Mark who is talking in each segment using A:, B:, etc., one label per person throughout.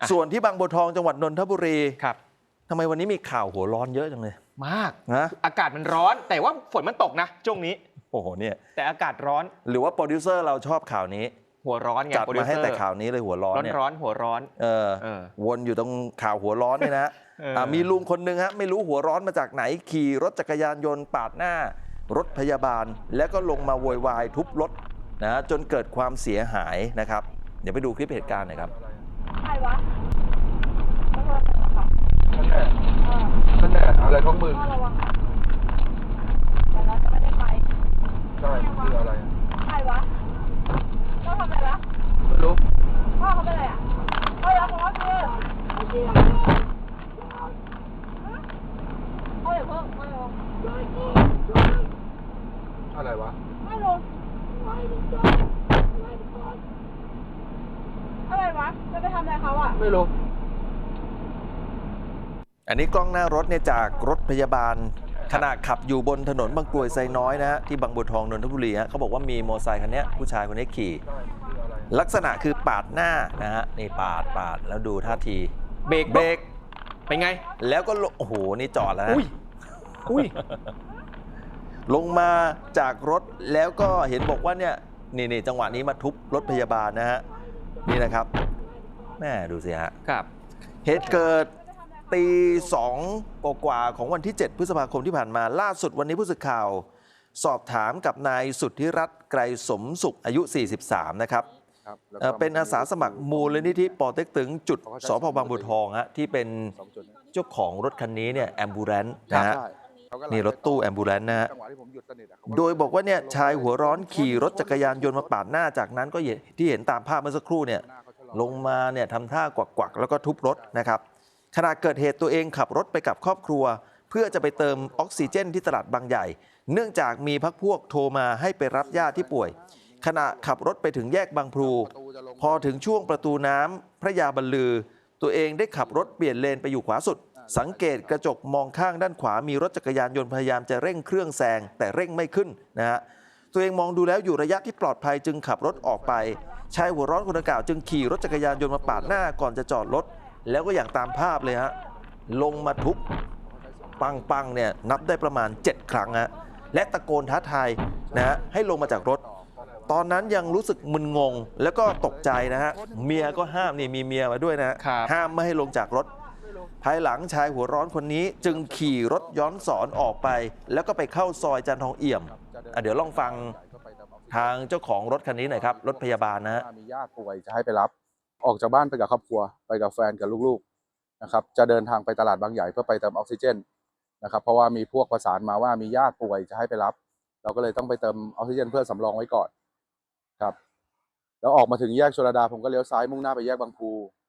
A: ส่วนที่บางบัวทองจังหวัดนนทบุรี
B: ครับ
A: ทำไมวันนี้มีข่าวหัวร้อนเยอะจังเลย
B: มาก
A: นะ
B: อากาศมันร้อนแต่ว่าฝนมันตกนะช่วงนี้
A: โอ้โหเนี่ย
B: แต่อากาศร้อน
A: หรือว่าโปรดิวเซอร์เราชอบข่าวนี้
B: หัวร้อนไง
A: จัดมาให้แต่ข่าวนี้เลยหัวร้อนเนี่ย
B: ร้อนหัวร้อน
A: วนอยู่ตรงข่าวหัวร้อนเนี่ยนะ มีลุงคนหนึ่งฮะไม่รู้หัวร้อนมาจากไหนขี่รถจักรยานยนต์ปาดหน้ารถพยาบาล แล้วก็ลงมาโวยวายทุบรถนะจนเกิดความเสียหายนะครับเดี๋ยวไปดูคลิปเหตุการณ์หน่อยครับ
C: ใครวะ
D: นั่นแหละอะไรของมึง
C: ระวังนะแต่เราจะไม่ได้ไป
D: ใช่คืออะไร
C: ใครวะพ่อทำอะไรวะ
D: ไม่รู้
C: พ่อเขาเป็นอะไรอ่ะพ่อรักพ่อคือพ่ออย่าเพิ่งไม่ลง
D: อะไรวะ
C: ไม่ลงอะไรวะจะไปทำอะไรเขาอ่ะ
D: ไม่รู้
A: อันนี้กล้องหน้ารถเนี่ยจากรถพยาบาลขณะขับอยู่บนถนนบางกรวยไซน้อยนะฮะที่บางบัวทองนนทบุรีฮะเขาบอกว่ามีมอเตอร์ไซค์คันนี้ผู้ชายคนนี้ขี่ ลักษณะคือปาดหน้านะฮะนี่ปาดแล้วดูท่าที
B: เบรก เป็นไง
A: แล้วก็โอ้โหนี่จอดแล้วนะ
B: อุ้ย
A: ลงมาจากรถแล้วก็เห็นบอกว่าเนี่ยนี่จังหวะนี้มาทุบรถพยาบาลนะฮะนี่นะครับแม่ดูสิฮะ
B: ครับ
A: เหตุเกิดตีสองกว่าของวันที่ 7 พฤษภาคมที่ผ่านมาล่าสุดวันนี้ผู้สื่อข่าว สอบถามกับนายสุทธิรัตน์ไกรสมสุขอายุ 43 นะครับเป็นอาสาสมัครมูลนิธิปอเต็กตึงจุดสพบางบัวทองฮะที่เป็นเจ้าของรถคันนี้เนี่ยแอมบูเรนซ์นะฮะนี่รถตู้แอมบูเรนซ์นะฮะโดยบอกว่าเนี่ยชายหัวร้อนขี่รถจักรยานยนต์มาปาดหน้าจากนั้นก็ที่เห็นตามภาพเมื่อสักครู่เนี่ยลงมาเนี่ยทำท่ากวักแล้วก็ทุบรถนะครับขณะเกิดเหตุตัวเองขับรถไปกับครอบครัว เพื่อจะไปเติมออกซิเจนที่ตลาดบางใหญ่เนื่องจากมีพรรคพวกโทรมาให้ไปรับญาติที่ป่วยขณะขับรถไปถึงแยกบางพลูพอถึงช่วงประตูน้ำพระยาบรรลือตัวเองได้ขับรถเปลี่ยนเลนไปอยู่ขวาสุดสังเกตกระจกมองข้างด้านขวามีรถจักรยานยนต์พยายามจะเร่งเครื่องแซงแต่เร่งไม่ขึ้นนะฮะตัวเองมองดูแล้วอยู่ระยะที่ปลอดภัยจึงขับรถออกไปชายหัวร้อนคนดังกล่าวจึงขี่รถจักรยานยนต์มาปาดหน้าก่อนจะจอดรถแล้วก็อย่างตามภาพเลยฮะลงมาทุบปังเนี่ยนับได้ประมาณ7 ครั้งฮะและตะโกนท้าทายนะฮะให้ลงมาจากรถตอนนั้นยังรู้สึกมึนงงแล้วก็ตกใจนะฮะเมียก็ห้ามนี่มีเมียมาด้วยนะฮะห้ามไม่ให้ลงจากรถภายหลังชายหัวร้อนคนนี้จึงขี่รถย้อนสอนออกไปแล้วก็ไปเข้าซอยจันทองเอี่ยมเดี๋ยวลองฟังทางเจ้าของรถคันนี้หน่อยครับรถพยาบาลนะฮะ
D: มีญาติป่วยจะให้ไปรับออกจากบ้านไปกับครอบครัวไปกับแฟนกับลูกๆนะครับจะเดินทางไปตลาดบางใหญ่เพื่อไปเติมออกซิเจนนะครับเพราะว่ามีพวกประสานมาว่ามีญาติป่วยจะให้ไปรับเราก็เลยต้องไปเติมออกซิเจนเพื่อสำรองไว้ก่อนครับแล้วออกมาถึงแยกชลดาผมก็เลี้ยวซ้ายมุ่งหน้าไปแยกบางพลู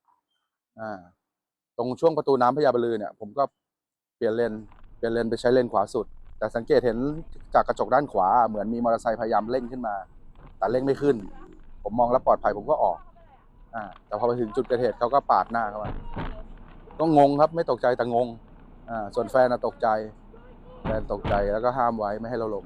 D: ตรงช่วงประตูน้ำพญาบรรลือเนี่ยผมก็เปลี่ยนเลนไปใช้เลนขวาสุดแต่สังเกตเห็นจากกระจกด้านขวาเหมือนมีมอเตอร์ไซค์พยายามเร่งขึ้นมาแต่เร่งไม่ขึ้นผมมองแล้วปลอดภัยผมก็ออกแต่พอไปถึงจุดเกิดเหตุเขาก็ปาดหน้าเข้ามาก็งงครับไม่ตกใจแต่งงส่วนแฟนตกใจแฟนตกใจแล้วก็ห้ามไว้ไม่ให้เราลง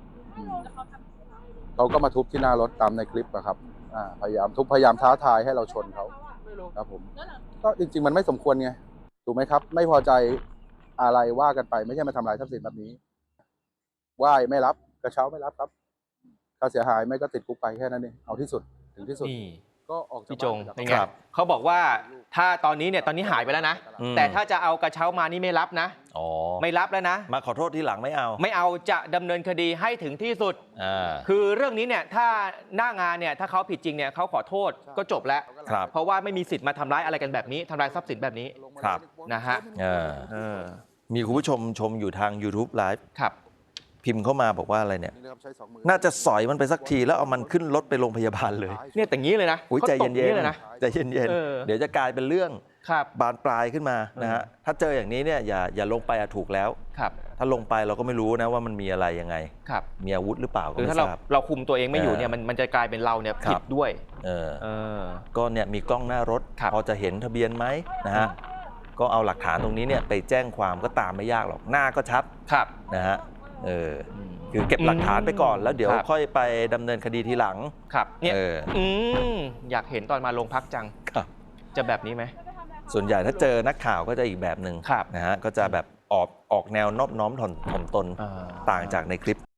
D: เขาก็มาทุบที่หน้ารถตามในคลิปนะครับพยายามทุบพยายามท้าทายให้เราชนเขาครับผมก็จริงๆมันไม่สมควรไงถูกไหมครับไม่พอใจอะไรว่ากันไปไม่ใช่มาทำลายทรัพย์สินแบบนี้ไหว้ไม่รับกระเช้าไม่รับครับค่าเสียหายไม่ก็ติดคุกไปแค่นั้นเองเอาที่สุดถึงที่สุดก็ออกจาก
B: พี่จงเป็นไงเขาบอกว่าถ้าตอนนี้หายไปแล้วนะแต่ถ้าจะเอากระเช้ามานี่ไม่รับนะไม่รับแล้วนะ
A: มาขอโทษทีหลังไม่เอา
B: จะดำเนินคดีให้ถึงที่สุดคือเรื่องนี้เนี่ยถ้าหน้างานเนี่ยถ้าเขาผิดจริงเนี่ยเขาขอโทษก็จบแล้วเพราะว่าไม่มีสิทธิ์มาทำร้ายอะไรกันแบบนี้ทำลายทรัพย์สินแบบนี้นะฮะ
A: มีคุณผู้ชมชมอยู่ทาง YouTube Live
B: ครับ
A: พิมพ์เข้ามาบอกว่าอะไรเนี่ยน่าจะสอยมันไปสักทีแล้วเอามันขึ้นรถไปโรงพยาบาลเลย
B: เนี่ยแต่งี้เลยนะ
A: ใจเย็นๆใจเย็นๆเดี๋ยวจะกลายเป็นเรื่องบานปลายขึ้นมานะฮะถ้าเจออย่างนี้เนี่ยอย่าลงไปถูกแล้วถ้าลงไปเราก็ไม่รู้นะว่ามันมีอะไรยังไงมีอาวุธหรือเปล่า
B: คือถ้าเราคุมตัวเองไม่อยู่เนี่ยมันจะกลายเป็นเราเนี่ยผิดด้วย
A: ก็เนี่ยมีกล้องหน้ารถพอจะเห็นทะเบียนไหมนะฮะก็เอาหลักฐานตรงนี้เนี่ยไปแจ้งความก็ตามไม่ยากหรอกหน้าก็ชัดนะฮะคือเก็บหลักฐานไปก่อนแล้วเดี๋ยวค่อยไปดำเนินคดีทีหลัง
B: ครับเนี่ยอยากเห็นตอนมาโรงพักจังจะแบบนี้ไหม
A: ส่วนใหญ่ถ้าเจอนักข่าวก็จะอีกแบบหนึ่ง
B: ครับ
A: นะฮะก็จะแบบออกแนวนอบน้อมถ่อมตนต่างจากในคลิป